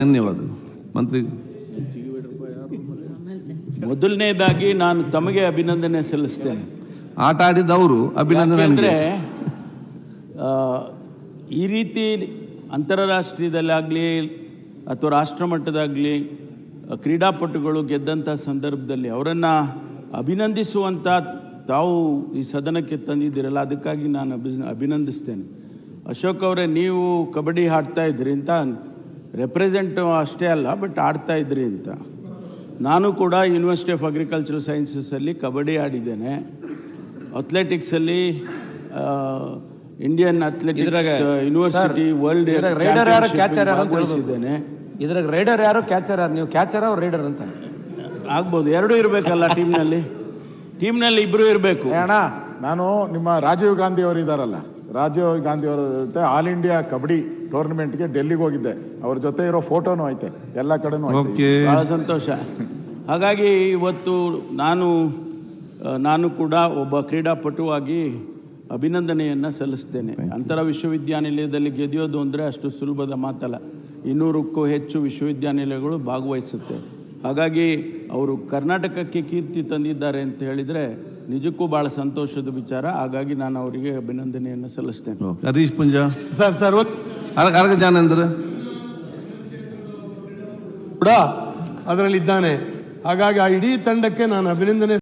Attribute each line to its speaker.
Speaker 1: ಧನ್ಯವಾದ ಮಂತ್ರಿ.
Speaker 2: ಮೊದಲನೇದಾಗಿ ನಾನು ತಮಗೆ ಅಭಿನಂದನೆ ಸಲ್ಲಿಸ್ತೇನೆ.
Speaker 1: ಆಟ ಆಡಿದವರು ಅಭಿನಂದನೆ.
Speaker 2: ಅಂದರೆ ಈ ರೀತಿ ಅಂತಾರಾಷ್ಟ್ರೀಯದಲ್ಲಾಗಲಿ ಅಥವಾ ರಾಷ್ಟ್ರ ಮಟ್ಟದಾಗಲಿ ಕ್ರೀಡಾಪಟುಗಳು ಗೆದ್ದಂಥ ಸಂದರ್ಭದಲ್ಲಿ ಅವರನ್ನು ಅಭಿನಂದಿಸುವಂಥ ತಾವು ಈ ಸದನಕ್ಕೆ ತಂದಿದ್ದೀರಲ್ಲ, ಅದಕ್ಕಾಗಿ ನಾನು ಅಭಿನಂದಿಸ್ತೇನೆ. ಅಶೋಕ್ ಅವರೇ, ನೀವು ಕಬಡ್ಡಿ ಆಡ್ತಾ ಇದ್ರಿ ಅಂತ, ರೆಪ್ರೆಸೆಂಟ್ ಅಷ್ಟೇ ಅಲ್ಲ ಬಟ್ ಆಡ್ತಾ ಇದ್ರಿ ಅಂತ. ನಾನು ಕೂಡ ಯೂನಿವರ್ಸಿಟಿ ಆಫ್ ಅಗ್ರಿಕಲ್ಚರಲ್ ಸೈನ್ಸಸ್ಸಲ್ಲಿ ಕಬಡ್ಡಿ ಆಡಿದ್ದೇನೆ. ಅಥ್ಲೆಟಿಕ್ಸಲ್ಲಿ ಇಂಡಿಯನ್ ಅಥ್ಲೆಟಿಕ್ಸ್ ಯೂನಿವರ್ಸಿಟಿ ವರ್ಲ್ಡ್ ಭಾಗವಹಿಸಿದ್ದೇನೆ.
Speaker 3: ಇದ್ರಾಗ ರೈಡರ್ ಯಾರು, ಕ್ಯಾಚರ್ ಯಾರು? ನೀವು ಕ್ಯಾಚರ್ ಅವ್ರು ರೈಡರ್ ಅಂತ
Speaker 2: ಆಗ್ಬೋದು, ಎರಡೂ ಇರಬೇಕಲ್ಲ ಟೀಮ್ನಲ್ಲಿ ಇಬ್ಬರು ಇರಬೇಕು.
Speaker 4: ಅಣ್ಣ, ನಾನು ನಿಮ್ಮ ರಾಜೀವ್ ಗಾಂಧಿ ಅವರು ಇದ್ದಾರಲ್ಲ, ರಾಜೀವ್ ಗಾಂಧಿ ಅವರ ಜೊತೆ ಆಲ್ ಇಂಡಿಯಾ ಕಬಡ್ಡಿ ಟೂರ್ನಮೆಂಟ್ಗೆ ಡೆಲ್ಲಿಗೆ ಹೋಗಿದ್ದೆ. ಅವ್ರ ಜೊತೆ ಇರೋ ಫೋಟೋನು ಐತೆ, ಎಲ್ಲ ಕಡೆನೂ ಐತೆ.
Speaker 2: ಬಹಳ ಸಂತೋಷ. ಹಾಗಾಗಿ ಇವತ್ತು ನಾನು ಕೂಡ ಒಬ್ಬ ಕ್ರೀಡಾಪಟುವಾಗಿ ಅಭಿನಂದನೆಯನ್ನು ಸಲ್ಲಿಸ್ತೇನೆ. ಅಂತರ ವಿಶ್ವವಿದ್ಯಾನಿಲಯದಲ್ಲಿ ಗೆದ್ಯೋದು ಅಂದರೆ ಅಷ್ಟು ಸುಲಭದ ಮಾತಲ್ಲ. 200ಕ್ಕೂ ಹೆಚ್ಚು ವಿಶ್ವವಿದ್ಯಾನಿಲಯಗಳು ಭಾಗವಹಿಸುತ್ತೆ. ಹಾಗಾಗಿ ಅವರು ಕರ್ನಾಟಕಕ್ಕೆ ಕೀರ್ತಿ ತಂದಿದ್ದಾರೆ ಅಂತ ಹೇಳಿದರೆ ನಿಜಕ್ಕೂ ಭಾಳ ಸಂತೋಷದ ವಿಚಾರ. ಹಾಗಾಗಿ ನಾನು ಅವರಿಗೆ ಅಭಿನಂದನೆಯನ್ನು ಸಲ್ಲಿಸ್ತೇನೆ.
Speaker 1: ಹರೀಶ್ ಪುಂಜಾ
Speaker 3: ಸರ್
Speaker 1: ಅರ್ಗ ಜಾನೇಂದ್ರ
Speaker 5: ಕೂಡ ಅದರಲ್ಲಿದ್ದಾನೆ. ಹಾಗಾಗಿ ಆ ಇಡೀ ತಂಡಕ್ಕೆ ನಾನು ಅಭಿನಂದನೆ